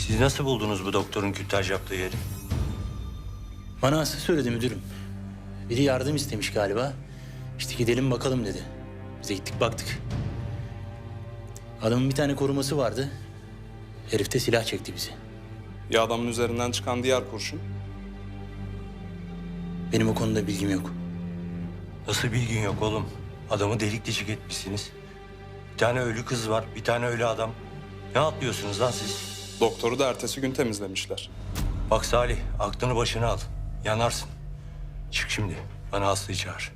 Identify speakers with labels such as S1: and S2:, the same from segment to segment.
S1: Siz nasıl buldunuz bu doktorun kürtaj yaptığı yeri?
S2: Bana Aslı söyledi müdürüm. Biri yardım istemiş galiba. İşte gidelim bakalım dedi. Biz de gittik baktık. Adamın bir tane koruması vardı. Herif de silah çekti bizi.
S3: Ya adamın üzerinden çıkan diğer kurşun?
S2: Benim o konuda bilgim yok.
S1: Nasıl bilgin yok oğlum? Adamı delik deşik etmişsiniz. Bir tane ölü kız var, bir tane ölü adam. Ne atlıyorsunuz lan siz?
S3: Doktoru da ertesi gün temizlemişler.
S1: Bak Salih, aklını başına al. Yanarsın. Çık şimdi, bana Aslı'yı çağır.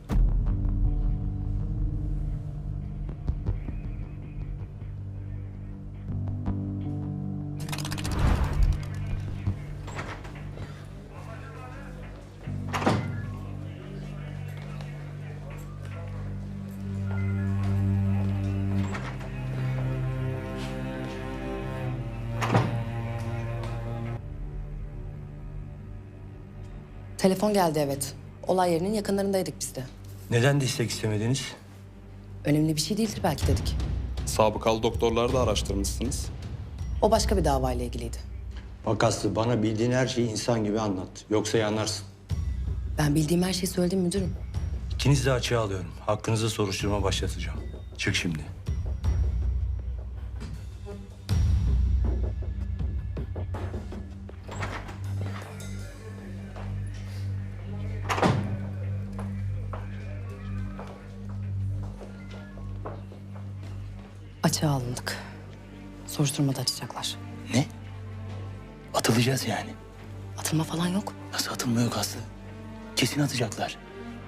S4: Telefon geldi evet. Olay yerinin yakınlarındaydık biz de.
S1: Neden destek istemediniz?
S4: Önemli bir şey değildir belki dedik.
S3: Sabıkalı doktorları da araştırmışsınız.
S4: O başka bir davayla ilgiliydi.
S1: Bak Aslı, bana bildiğin her şeyi insan gibi anlat. Yoksa yanarsın.
S4: Ben bildiğim her şeyi söyledim müdürüm.
S1: İkinizi de açığa alıyorum. Hakkınızda soruşturma başlatacağım. Çık şimdi.
S4: Açığa alındık. Soruşturmada açacaklar.
S2: Ne? Atılacağız yani.
S4: Atılma falan yok.
S2: Nasıl atılma yok Aslı? Kesin atacaklar.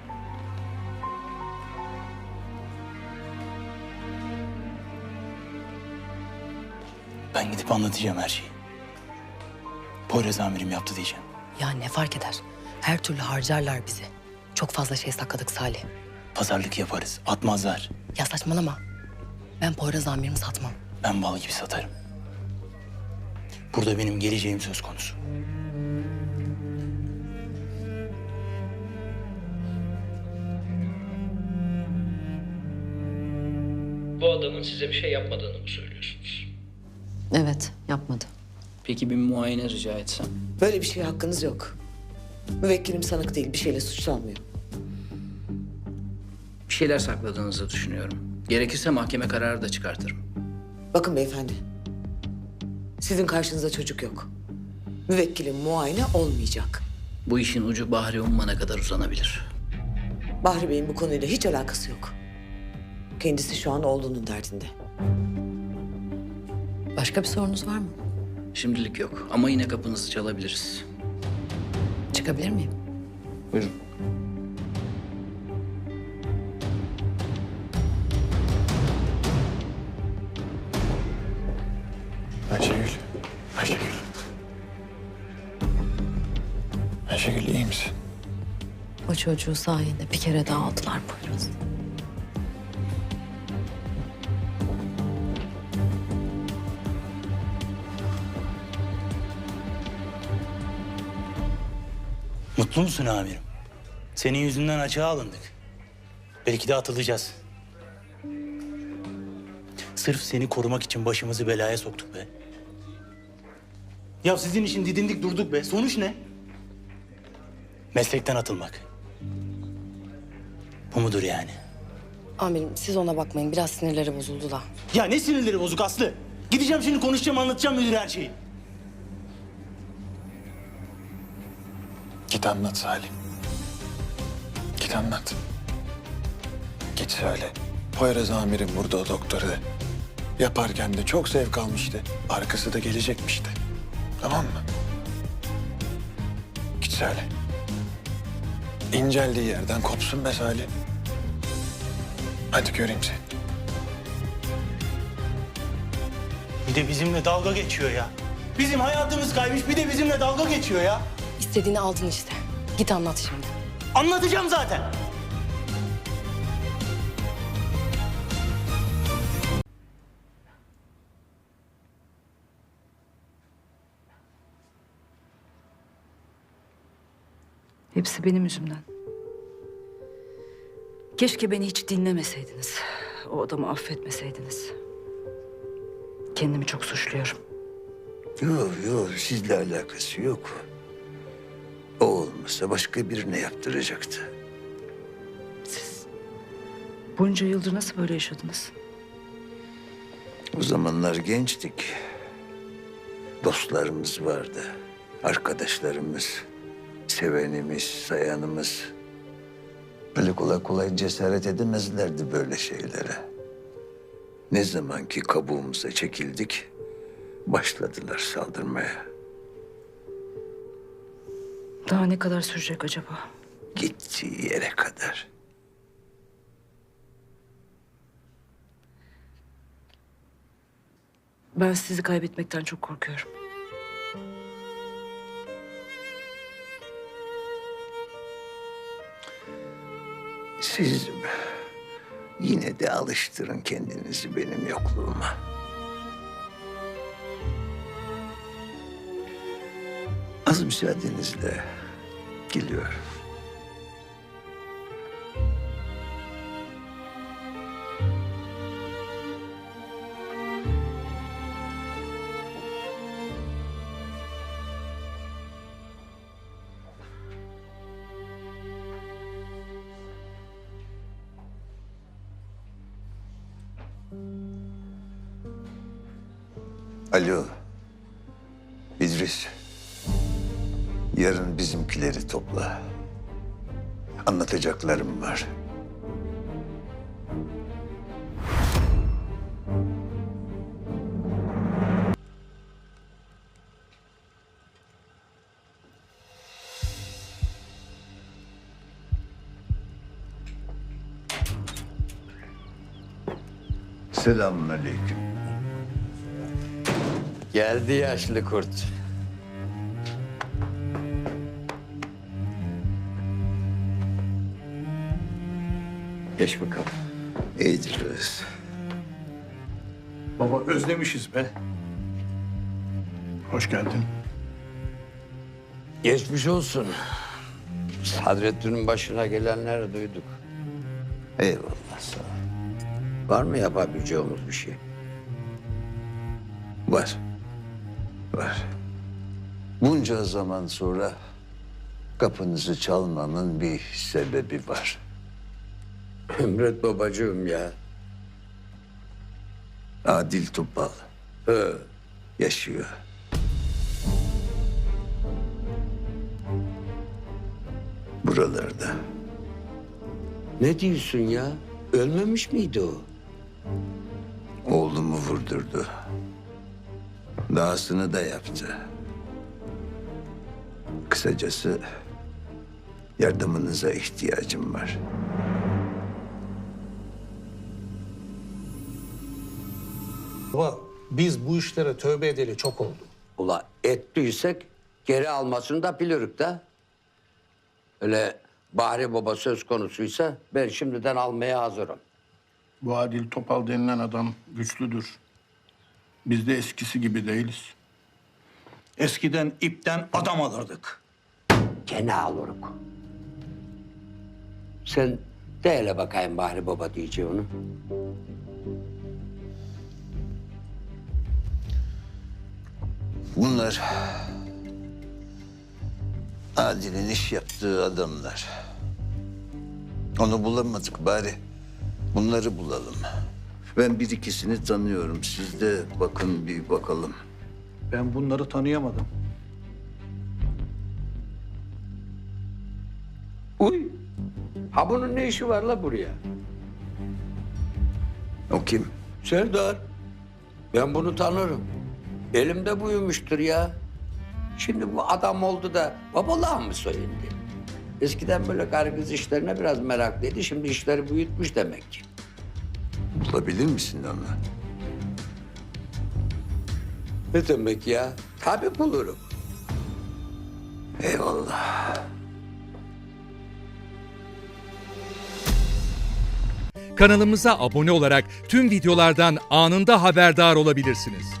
S2: Ben gidip anlatacağım her şeyi. Poyraz amirim yaptı diyeceğim.
S4: Ya ne fark eder? Her türlü harcarlar bizi. Çok fazla şey sakladık Salih.
S2: Pazarlık yaparız. Atmazlar.
S4: Ya saçmalama. Ben Poyraz amirimi satmam.
S2: Ben bal gibi satarım. Burada benim geleceğim söz konusu.
S5: Bu adamın size bir şey yapmadığını mı söylüyorsunuz?
S4: Evet, yapmadı.
S5: Peki bir muayene rica etsem?
S6: Böyle bir şeye hakkınız yok. Müvekkilim sanık değil, bir şeyle suçlanmıyor.
S5: Bir şeyler sakladığınızı düşünüyorum. Gerekirse mahkeme kararı da çıkartırım.
S6: Bakın beyefendi, sizin karşınızda çocuk yok. Müvekkilim muayene olmayacak.
S5: Bu işin ucu Bahri Umman'a kadar uzanabilir.
S6: Bahri Bey'in bu konuyla hiç alakası yok. Kendisi şu an oğlunun derdinde.
S4: Başka bir sorunuz var mı?
S5: Şimdilik yok ama yine kapınızı çalabiliriz.
S4: Çıkabilir miyim?
S5: Buyurun.
S7: Ayşegül. Ayşegül. Ayşegül iyi misin?
S4: O çocuğu sayende bir kere daha aldılar Poyraz.
S2: Mutlu musun amirim? Senin yüzünden açığa alındık. Belki de atılacağız. Sırf seni korumak için başımızı belaya soktuk be. Ya sizin için didindik durduk be. Sonuç ne? Meslekten atılmak. Bu mudur yani?
S4: Amirim siz ona bakmayın. Biraz sinirleri bozuldu da.
S2: Ya ne sinirleri bozuk Aslı? Gideceğim şimdi konuşacağım, anlatacağım müdüre her şeyi.
S7: Git anlat Salim. Git anlat. Git söyle. Poyraz amirim burada o doktoru. Yaparken de çok zevk almıştı. Arkası da gelecekmiş de. Tamam mı? Git söyle. İnceldiği yerden kopsun be Salim. Hadi göreyim seni.
S2: Bir de bizimle dalga geçiyor ya. Bizim hayatımız kaymış, bir de bizimle dalga geçiyor ya.
S4: İstediğini aldın işte. Git anlat şimdi.
S2: Anlatacağım zaten.
S8: Hepsi benim yüzümden. Keşke beni hiç dinlemeseydiniz. O adamı affetmeseydiniz. Kendimi çok suçluyorum.
S9: Yok yok, sizle alakası yok. O olmasa başka birine yaptıracaktı.
S8: Bunca yıldır nasıl böyle yaşadınız?
S9: O zamanlar gençtik. Dostlarımız vardı. Arkadaşlarımız, sevenimiz, sayanımız. Öyle kolay kolay cesaret edemezlerdi böyle şeylere. Ne zaman ki kabuğumuza çekildik, başladılar saldırmaya.
S8: Daha ne kadar sürecek acaba?
S9: Gittiği yere kadar.
S8: Ben sizi kaybetmekten çok korkuyorum.
S9: Siz yine de alıştırın kendinizi benim yokluğuma. Az müsaadenizle geliyorum. Alo. İdris. Yarın bizimkileri topla. Anlatacaklarım var. Selamünaleyküm.
S10: Geldi yaşlı kurt. Geç bakalım.
S9: İdris.
S7: Baba özlemişiz be. Hoş geldin.
S10: Geçmiş olsun. Sadrettin'in başına gelenleri duyduk.
S9: Eyvallah sağ ol.
S10: Var mı yapabileceğimiz bir şey?
S9: Var. Var. Bunca zaman sonra kapınızı çalmamın bir sebebi var.
S10: Emret babacığım ya.
S9: Adil Topal
S10: He.
S9: yaşıyor. Buralarda.
S10: Ne diyorsun ya? Ölmemiş miydi o?
S9: Oğlumu vurdurdu. Dahasını da yaptı. Kısacası yardımınıza ihtiyacım var.
S11: Baba biz bu işlere tövbe edeli çok oldu.
S10: Ula ettiysek geri almasını da bilirük de. Öyle Bahri Baba söz konusuysa ben şimdiden almaya hazırım.
S7: Bu Adil Topal denilen adam güçlüdür. Biz de eskisi gibi değiliz.
S11: Eskiden ipten adam alırdık.
S10: Gene alırık. Sen de hele bakayım Bahri Baba diyeceğini.
S9: Bunlar Adil'in iş yaptığı adamlar. Onu bulamadık bari. Bunları bulalım. Ben bir ikisini tanıyorum. Siz de bakın bir bakalım.
S11: Ben bunları tanıyamadım.
S10: Uy! Ha bunun ne işi var la buraya?
S9: O kim?
S10: Serdar. Ben bunu tanırım. Elimde büyümüştür ya. Şimdi bu adam oldu da babalığa mı soyundu? Eskiden böyle karı kız işlerine biraz meraklıydı. Şimdi işleri büyütmüş demek ki.
S9: Bulabilir misin onu?
S10: Ne demek ya? Tabii bulurum.
S9: Eyvallah.
S12: Kanalımıza abone olarak tüm videolardan anında haberdar olabilirsiniz.